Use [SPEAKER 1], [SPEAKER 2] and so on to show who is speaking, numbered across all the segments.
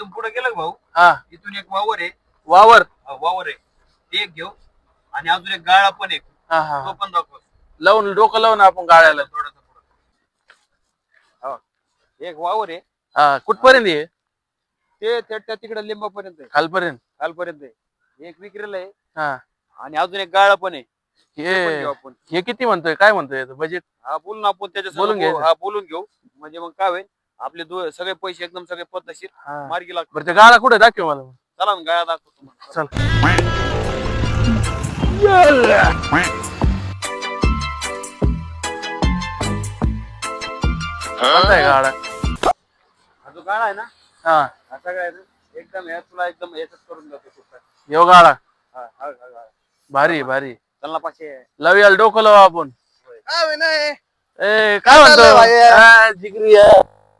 [SPEAKER 1] इथून पुढे गेलं का भाऊ
[SPEAKER 2] हा
[SPEAKER 1] इथून एक वावर आहे
[SPEAKER 2] वावर
[SPEAKER 1] वावर आहे ते एक घेऊ आणि अजून एक गाळा पण एक
[SPEAKER 2] हा हा
[SPEAKER 1] तो पण दाखव
[SPEAKER 2] लावून डोकं लावून आपण गाळ्याला
[SPEAKER 1] थोडासा पुढं एक वावर आहे
[SPEAKER 2] हा कुठपर्यंत आहे
[SPEAKER 1] ते त्या तिकडे लिंबापर्यंत आहे
[SPEAKER 2] खालपर्यंत
[SPEAKER 1] खालपर्यंत आहे एक विक्रीला आहे
[SPEAKER 2] हा
[SPEAKER 1] आणि अजून एक गाळा पण आहे ते पण घेऊ
[SPEAKER 2] हे
[SPEAKER 1] आपण
[SPEAKER 2] हे किती म्हणतोय काय म्हणतोय बजेट
[SPEAKER 1] हा बोलून आपण त्याच्या
[SPEAKER 2] बोलून घ्यायचं.
[SPEAKER 1] हा बोलून घेऊ म्हणजे मग काय होईल आपले सगळे पैसे एकदम सगळे पद्धतशीर
[SPEAKER 2] हा
[SPEAKER 1] मार्गी लागतात
[SPEAKER 2] बरं ते गाळा कुठे दाखव मला
[SPEAKER 1] चला ना गाळा दाखवतो तुम्हाला
[SPEAKER 2] चल कोणता आहे गाळा
[SPEAKER 1] हा जो गाळा आहे ना
[SPEAKER 2] हा
[SPEAKER 1] हा सगळा आहे ना एकदम तुला एकदम याच्यात करून जातो सुद्धा
[SPEAKER 2] यो गाळा
[SPEAKER 1] हा हा गाळा
[SPEAKER 2] भारी भारी
[SPEAKER 1] चल ना पाचशे
[SPEAKER 2] लावूया डोकं लावू आपण
[SPEAKER 3] विनय
[SPEAKER 2] ए काय म्हणतो
[SPEAKER 3] चाललंय भाई?
[SPEAKER 2] हा, जिगरी आहे.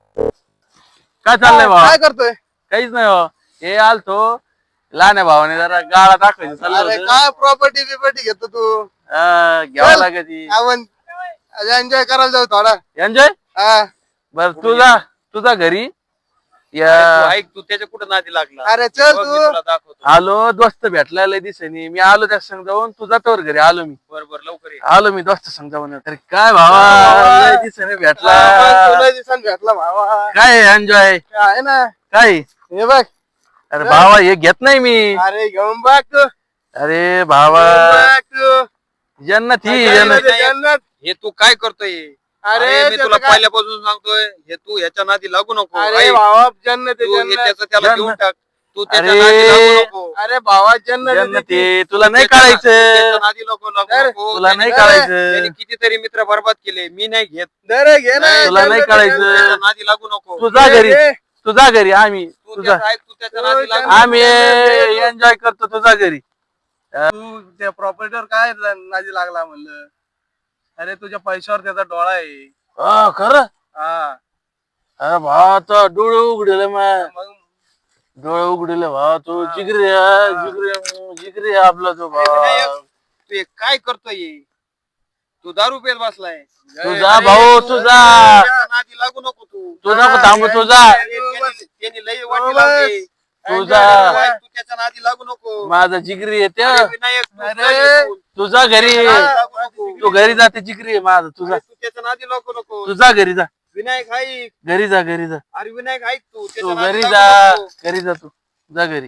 [SPEAKER 2] काय चाललंय भावा
[SPEAKER 3] काय करतोय
[SPEAKER 2] काहीच नाही भाऊ हे आलतो लहान भावाने जरा गाळा दाखवायचं चाललं
[SPEAKER 3] अरे
[SPEAKER 2] होतं.
[SPEAKER 3] काय प्रॉपर्टी बिपर्टी घेतो तू
[SPEAKER 2] घ्यावं
[SPEAKER 3] चल.
[SPEAKER 2] लागायची
[SPEAKER 3] आपण एन्जॉय करायला जाऊ थोडा
[SPEAKER 2] एन्जॉय
[SPEAKER 3] हा.
[SPEAKER 2] बर तुझा घरी या
[SPEAKER 1] अरे तू ऐक तू त्याच्या कुठं नादी लागला
[SPEAKER 3] अरे चल
[SPEAKER 1] बघ, मी
[SPEAKER 3] तू
[SPEAKER 1] तुला दाखवतो
[SPEAKER 2] आलो दोस्त भेटला लय दिसेनी मी आलो त्या संग जाऊन तुझा तोवर घरी आलो मी
[SPEAKER 1] बरोबर लवकर ये
[SPEAKER 2] आलो मी दोस्त संग जाऊन अरे काय भावा
[SPEAKER 3] भावा.
[SPEAKER 2] लय दिसेनी भेटला
[SPEAKER 3] तुला दिसन भेटला भावा
[SPEAKER 2] काय एन्जॉय
[SPEAKER 3] आहे ना
[SPEAKER 2] काय
[SPEAKER 3] हे बघ
[SPEAKER 2] अरे भावा हे घेत नाही मी
[SPEAKER 3] अरे घेऊन बघ तू
[SPEAKER 2] अरे भावा
[SPEAKER 3] बघ तू.
[SPEAKER 2] जन्नत ही
[SPEAKER 3] जन्नत
[SPEAKER 2] जन्नत
[SPEAKER 3] आहे, जन्नत.
[SPEAKER 1] हे तू काय करतोय
[SPEAKER 3] अरे
[SPEAKER 1] अरे मी
[SPEAKER 3] त्याचं
[SPEAKER 1] तुला
[SPEAKER 3] काय-
[SPEAKER 1] पहिल्यापासून सांगतोय हे तू ह्याच्या नादी लागू नको
[SPEAKER 3] अरे
[SPEAKER 1] ऐक,
[SPEAKER 3] भावा जन्नत आहे,
[SPEAKER 1] तू हे
[SPEAKER 3] जन्नत
[SPEAKER 1] त्याचं त्याला
[SPEAKER 2] जन्नत.
[SPEAKER 1] घेऊन टाक तू त्याच्या
[SPEAKER 2] अरे.
[SPEAKER 1] नादी लागू नको
[SPEAKER 3] अरे भावा जन्नत आहे
[SPEAKER 2] जन्नत
[SPEAKER 3] त्याची.
[SPEAKER 2] ही तुला नाही
[SPEAKER 1] त्याच्या
[SPEAKER 2] काढायचं
[SPEAKER 1] नादी नको लागू
[SPEAKER 3] अरे,
[SPEAKER 1] नको.
[SPEAKER 2] तुला नाही
[SPEAKER 1] त्याने-
[SPEAKER 2] काढायचं
[SPEAKER 1] त्याने कितीतरी मित्र बरबाद केले मी नाही घेत
[SPEAKER 3] दर घे ना
[SPEAKER 1] नाही,
[SPEAKER 2] तुला नाही
[SPEAKER 3] जन्नत आहे,
[SPEAKER 2] काढायचं.
[SPEAKER 3] जन्नत.
[SPEAKER 1] त्याच्या नादी लागू नको
[SPEAKER 2] तुझा घरी
[SPEAKER 3] घे.
[SPEAKER 2] तुझा घरी आम्ही
[SPEAKER 1] तू
[SPEAKER 2] तुझा
[SPEAKER 1] त्याचं ऐक, तू त्याच्या नादी लागू
[SPEAKER 2] आम्ही एन्जॉय करतो तुझा घरी
[SPEAKER 3] तू त्या प्रॉपर्टीवर काय नादी लागला म्हणलं अरे तुझ्या पैशावर त्याचा डोळा आहे
[SPEAKER 2] खरं
[SPEAKER 3] हा
[SPEAKER 2] अरे भावा तो डोळे उघडले मग
[SPEAKER 3] मग
[SPEAKER 2] डोळे उघडले भावा तू जिगरी आहे, जिगरी आहे, जिगरी आहे आपला तो भावा
[SPEAKER 1] तू हे काय करतोय हे? तू दारू पेत बसलाय
[SPEAKER 2] तुझा भाऊ तुझा
[SPEAKER 1] त्याच्या नादी लागू नको तू
[SPEAKER 2] तू नको थांबू तुझा
[SPEAKER 1] त्यांनी लई वाटी लावली
[SPEAKER 2] तुझा
[SPEAKER 1] तू त्याच्या नादी लागू नको
[SPEAKER 2] माझा जिगरी आहे त्या
[SPEAKER 1] अरे विनायक तू
[SPEAKER 3] अरे.
[SPEAKER 1] काय बोल?
[SPEAKER 2] तुझा घरी
[SPEAKER 1] लागू नको.
[SPEAKER 2] तू घरी जाते जिगरी आहे माझा तुझा
[SPEAKER 1] अरे तू त्याच्या नादी लागू नको
[SPEAKER 2] तुझा घरी जा
[SPEAKER 1] विनायक ऐक
[SPEAKER 2] घरी जा घरी जा
[SPEAKER 1] अरे विनायक ऐक तू
[SPEAKER 2] तू
[SPEAKER 1] त्याच्या नादी
[SPEAKER 2] घरी
[SPEAKER 1] लागू
[SPEAKER 2] जा
[SPEAKER 1] नको.
[SPEAKER 2] घरी जा तू जा घरी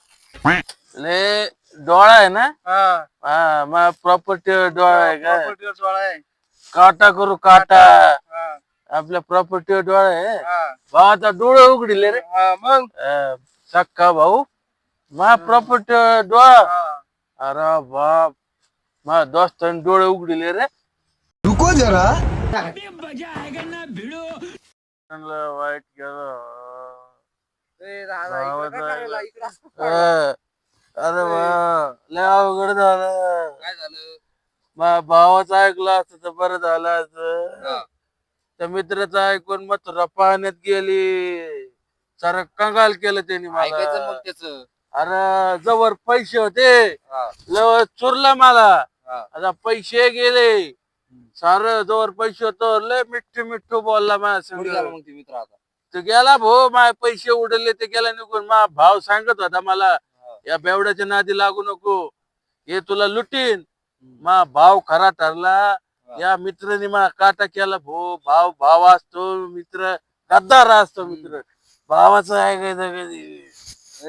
[SPEAKER 2] ले डोळा आहे ना
[SPEAKER 3] हा
[SPEAKER 2] हा मग प्रॉपर्टी डोळा आहे का
[SPEAKER 3] प्रॉपर्टीवर डोळा आहे
[SPEAKER 2] काटा करू काटा
[SPEAKER 3] हा,
[SPEAKER 2] आपल्या प्रॉपर्टीवर डोळा आहे
[SPEAKER 3] हा.
[SPEAKER 2] भावाचा डोळे उघडले रे
[SPEAKER 3] हा, मग
[SPEAKER 2] सक्का भाऊ मा प्रॉपर्टी डोळा
[SPEAKER 3] हा.
[SPEAKER 2] अरे बाप मा दोस्तांनी डोळे उघडले रे
[SPEAKER 4] रुको जरा
[SPEAKER 2] म्हणलं वाईट गेलं
[SPEAKER 3] ए, दादा, इकडं काय करायला? इकडं.
[SPEAKER 2] अरे वा लय अवघड झालं
[SPEAKER 1] काय झालं
[SPEAKER 2] मा भावाचं ऐकलं असतं तर बरं झालं असतं
[SPEAKER 1] हा.
[SPEAKER 2] त्या मित्राचं ऐकून मथुरा पाण्यात गेली सारं कंगाल केलं त्यांनी
[SPEAKER 1] ऐकायचं
[SPEAKER 2] मला
[SPEAKER 1] मग त्याच
[SPEAKER 2] अरे जवळ पैसे होते लव चुरला मला आता पैसे गेले सार जवळ पैसे होतो लय मिठ्ठू मिठ्ठू बोलला माझ्या संग
[SPEAKER 1] मग ते मित्र आता
[SPEAKER 2] तो गेला भाऊ माझे पैसे उडले ते गेला निघून मा भाव सांगत होता मला या बेवड्याच्या नादी लागू नको हे तुला लुटीन मा भाव खरा ठरला या मित्राने मला काटा केला भाऊ भाव असतो मित्र गद्दार असतो मित्र भावाचं ऐकायचं कधी